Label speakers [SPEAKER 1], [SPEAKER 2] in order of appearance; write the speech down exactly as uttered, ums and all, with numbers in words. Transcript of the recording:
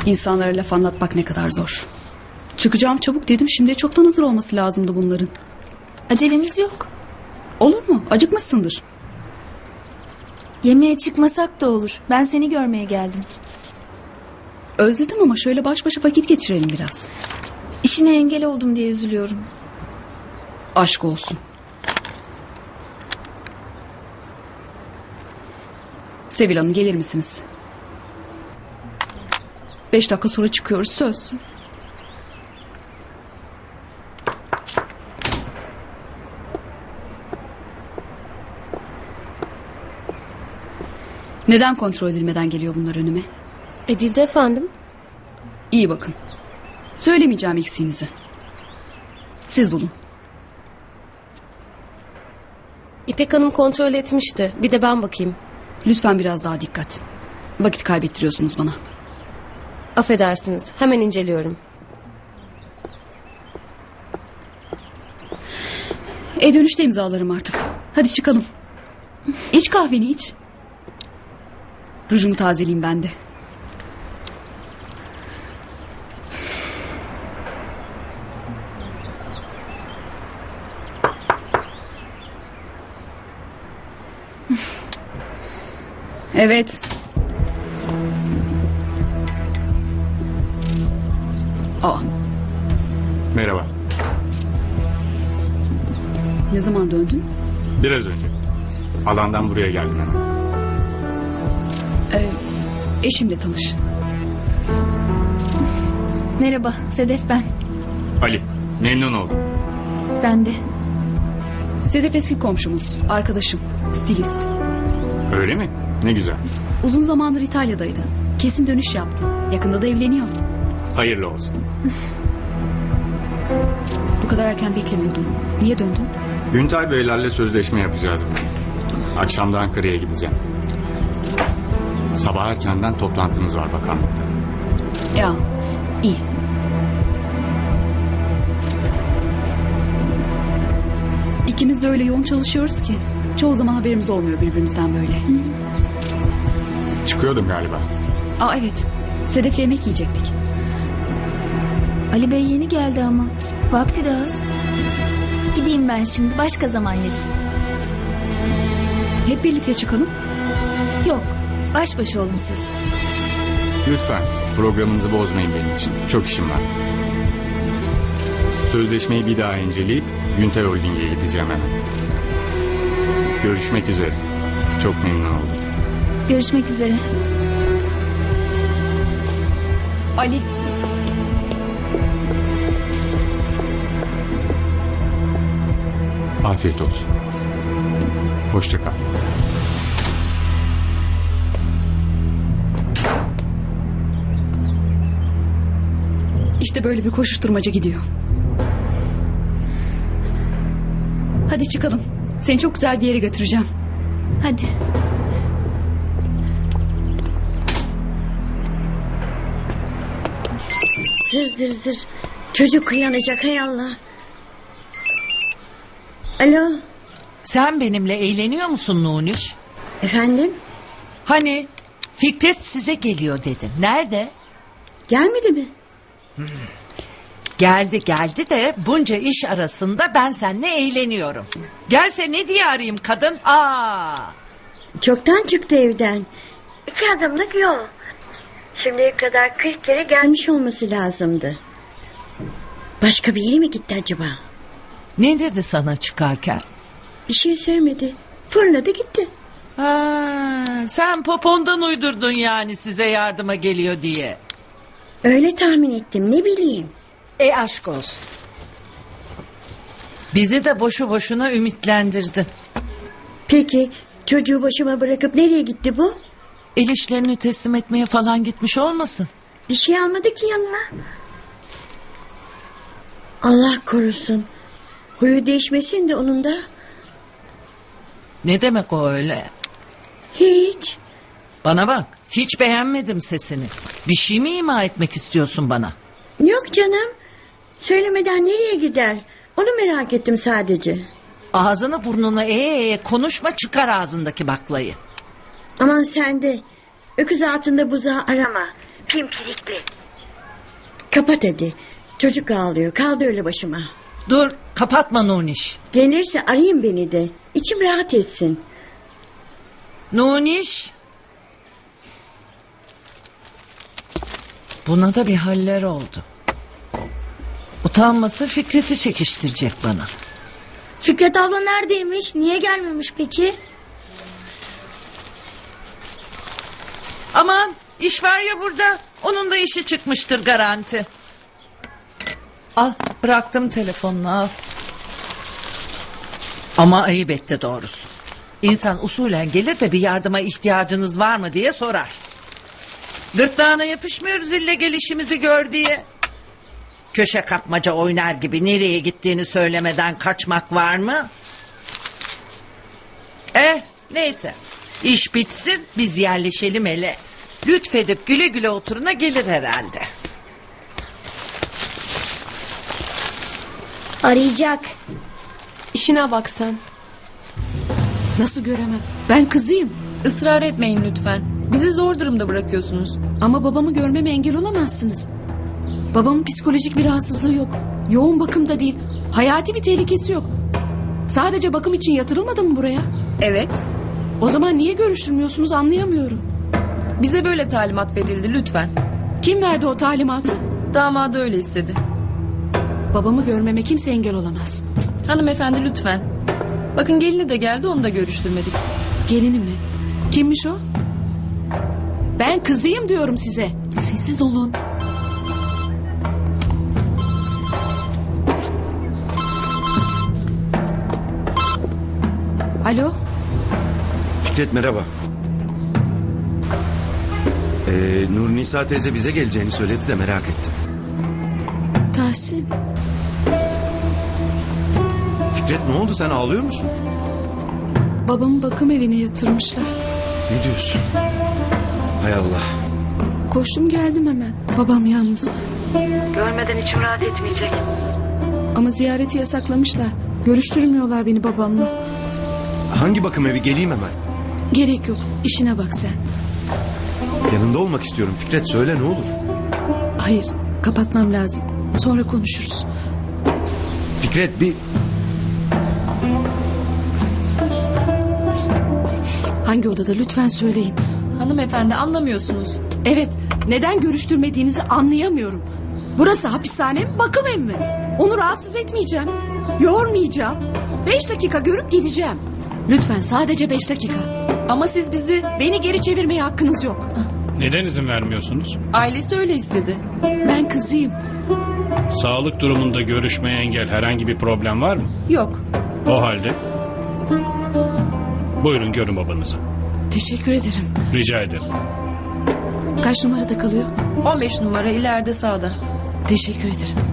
[SPEAKER 1] İnsanlara laf anlatmak ne kadar zor. Çıkacağım çabuk dedim, şimdi çoktan hazır olması lazımdı bunların.
[SPEAKER 2] Acelemiz yok.
[SPEAKER 1] Olur mu? Acıkmışsındır.
[SPEAKER 2] Yemeğe çıkmasak da olur. Ben seni görmeye geldim.
[SPEAKER 1] Özledim ama şöyle baş başa vakit geçirelim biraz.
[SPEAKER 2] İşine engel oldum diye üzülüyorum.
[SPEAKER 1] Aşk olsun. Sevil Hanım, gelir misiniz? Beş dakika sonra çıkıyoruz, söz. Neden kontrol edilmeden geliyor bunlar önüme?
[SPEAKER 3] Edildi efendim.
[SPEAKER 1] İyi bakın. Söylemeyeceğim eksiğinizi. Siz bulun.
[SPEAKER 3] İpek Hanım kontrol etmişti. Bir de ben bakayım.
[SPEAKER 1] Lütfen biraz daha dikkat. Vakit kaybettiriyorsunuz bana.
[SPEAKER 3] Affedersiniz. Hemen inceliyorum.
[SPEAKER 1] E dönüşte imzalarım artık. Hadi çıkalım. İç kahveni iç. Rujumu tazeleyeyim ben de. Evet. Aa.
[SPEAKER 4] Merhaba.
[SPEAKER 1] Ne zaman döndün?
[SPEAKER 4] Biraz önce. Alandan buraya geldim hemen.
[SPEAKER 1] Ee, eşimle tanış.
[SPEAKER 2] Merhaba, Sedef ben.
[SPEAKER 4] Ali, memnun oldum.
[SPEAKER 2] Ben de.
[SPEAKER 1] Sedef eski komşumuz, arkadaşım, stilist.
[SPEAKER 4] Öyle mi? Ne güzel.
[SPEAKER 1] Uzun zamandır İtalya'daydı. Kesin dönüş yaptı. Yakında da evleniyor.
[SPEAKER 4] Hayırlı olsun.
[SPEAKER 1] Bu kadar erken beklemiyordum. Niye döndün?
[SPEAKER 4] Güntay Beylerle sözleşme yapacağız bugün. Akşam da Ankara'ya gideceğim. Sabah erkenden toplantımız var bakanlıkta.
[SPEAKER 1] Ya, iyi. İkimiz de öyle yoğun çalışıyoruz ki çoğu zaman haberimiz olmuyor birbirimizden böyle.
[SPEAKER 4] Çıkıyordum galiba.
[SPEAKER 1] Aa evet. Sedef'le yemek yiyecektik.
[SPEAKER 2] Ali Bey yeni geldi ama. Vakti de az. Gideyim ben şimdi, başka zaman yeriz.
[SPEAKER 1] Hep birlikte çıkalım.
[SPEAKER 2] Yok, baş başa olun siz.
[SPEAKER 4] Lütfen programınızı bozmayın benim için. Çok işim var. Sözleşmeyi bir daha inceleyip Güntay Holding'e gideceğim hemen. Görüşmek üzere. Çok memnun oldum.
[SPEAKER 2] Görüşmek üzere.
[SPEAKER 1] Ali.
[SPEAKER 4] Afiyet olsun. Hoşça kal.
[SPEAKER 1] İşte böyle bir koşuşturmaca gidiyor. Hadi çıkalım. Seni çok güzel bir yere götüreceğim.
[SPEAKER 2] Hadi.
[SPEAKER 5] Zır zır zır. Çocuk uyanacak, hay Allah. Alo.
[SPEAKER 6] Sen benimle eğleniyor musun Nuniş?
[SPEAKER 5] Efendim?
[SPEAKER 6] Hani Fikret size geliyor dedin. Nerede?
[SPEAKER 5] Gelmedi mi?
[SPEAKER 6] Hmm. Geldi geldi de bunca iş arasında ben seninle eğleniyorum. Gelse ne diye arayayım kadın? Aa.
[SPEAKER 5] Çoktan çıktı evden. İki adımlık yol. Şimdiye kadar kırk kere gelmiş olması lazımdı. Başka bir yere mi gitti acaba?
[SPEAKER 6] Ne dedi sana çıkarken?
[SPEAKER 5] Bir şey söylemedi. Fırladı gitti.
[SPEAKER 6] Ha, sen popondan uydurdun yani size yardıma geliyor diye.
[SPEAKER 5] Öyle tahmin ettim, ne bileyim.
[SPEAKER 6] E aşk olsun. Bizi de boşu boşuna ümitlendirdin.
[SPEAKER 5] Peki çocuğu başıma bırakıp nereye gitti bu?
[SPEAKER 6] El işlerini teslim etmeye falan gitmiş olmasın?
[SPEAKER 5] Bir şey almadı ki yanına. Allah korusun. Huyu değişmesin de onun da.
[SPEAKER 6] Ne demek o öyle?
[SPEAKER 5] Hiç.
[SPEAKER 6] Bana bak, hiç beğenmedim sesini. Bir şey mi ima etmek istiyorsun bana?
[SPEAKER 5] Yok canım. Söylemeden nereye gider? Onu merak ettim sadece.
[SPEAKER 6] Ağzını burnunu eğe eğe konuşma, çıkar ağzındaki baklayı.
[SPEAKER 5] Aman sen de. Öküz altında buzağı arama. pimpirikli. Kapat hadi. Çocuk ağlıyor. Kaldı öyle başıma.
[SPEAKER 6] Dur kapatma Nuniş.
[SPEAKER 5] Gelirse arayın beni de. İçim rahat etsin.
[SPEAKER 6] Nuniş. Buna da bir haller oldu. Utanmasa Fikret'i çekiştirecek bana.
[SPEAKER 2] Fikret abla neredeymiş? Niye gelmemiş peki?
[SPEAKER 6] Aman iş var ya burada. Onun da işi çıkmıştır garanti. Al bıraktım telefonunu al. Ama ayıp etti doğrusu. İnsan usulen gelir de bir yardıma ihtiyacınız var mı diye sorar. Gırtlağına yapışmıyoruz ille gelişimizi gör diye. Köşe kapmaca oynar gibi nereye gittiğini söylemeden kaçmak var mı? Eh neyse. İş bitsin biz yerleşelim hele. Lütfedip güle güle oturuna gelir herhalde.
[SPEAKER 2] Arayacak.
[SPEAKER 3] İşine bak sen.
[SPEAKER 7] Nasıl göremem? Ben kızıyım.
[SPEAKER 8] Israr etmeyin lütfen. Bizi zor durumda bırakıyorsunuz.
[SPEAKER 7] Ama babamı görmeme engel olamazsınız. Babamın psikolojik bir rahatsızlığı yok. Yoğun bakımda değil. Hayati bir tehlikesi yok. Sadece bakım için yatırılmadı mı buraya?
[SPEAKER 8] Evet.
[SPEAKER 7] O zaman niye görüşülmüyorsunuz anlayamıyorum.
[SPEAKER 8] Bize böyle talimat verildi lütfen.
[SPEAKER 7] Kim verdi o talimatı?
[SPEAKER 8] Damadı öyle istedi.
[SPEAKER 7] Babamı görmeme kimse engel olamaz.
[SPEAKER 8] Hanımefendi lütfen. Bakın gelini de geldi, onu da görüştürmedik.
[SPEAKER 7] Gelini mi? Kimmiş o? Ben kızıyım diyorum size. Sessiz olun. Alo?
[SPEAKER 9] Fikret merhaba. Ee, Nur Nisa teyze bize geleceğini söyledi de merak ettim.
[SPEAKER 7] Tahsin.
[SPEAKER 9] Fikret ne oldu, sen ağlıyor musun?
[SPEAKER 7] Babamı bakım evine yatırmışlar.
[SPEAKER 9] Ne diyorsun? Hay Allah.
[SPEAKER 7] Koştum geldim hemen. Babam yalnız. Görmeden içim rahat etmeyecek. Ama ziyareti yasaklamışlar. Görüştürmüyorlar beni babamla.
[SPEAKER 9] Hangi bakım evi, geleyim hemen.
[SPEAKER 7] Gerek yok. İşine bak sen.
[SPEAKER 9] Yanında olmak istiyorum Fikret, söyle ne olur.
[SPEAKER 7] Hayır, kapatmam lazım. Sonra konuşuruz.
[SPEAKER 9] Fikret bir...
[SPEAKER 7] Hangi odada lütfen söyleyin.
[SPEAKER 8] Hanımefendi anlamıyorsunuz.
[SPEAKER 7] Evet, neden görüştürmediğinizi anlayamıyorum. Burası hapishane mi, bakım evi mi? Onu rahatsız etmeyeceğim. Yormayacağım. Beş dakika görüp gideceğim. Lütfen sadece beş dakika.
[SPEAKER 8] Ama siz bizi...
[SPEAKER 7] Beni geri çevirmeye hakkınız yok.
[SPEAKER 10] Neden izin vermiyorsunuz?
[SPEAKER 8] Ailesi öyle istedi.
[SPEAKER 7] Ben kızıyım.
[SPEAKER 10] Sağlık durumunda görüşmeye engel herhangi bir problem var mı?
[SPEAKER 8] Yok.
[SPEAKER 10] O halde... Buyurun görün babanızı.
[SPEAKER 7] Teşekkür ederim.
[SPEAKER 10] Rica ederim.
[SPEAKER 7] Kaç numarada kalıyor?
[SPEAKER 8] on beş numara ileride sağda.
[SPEAKER 7] Teşekkür ederim.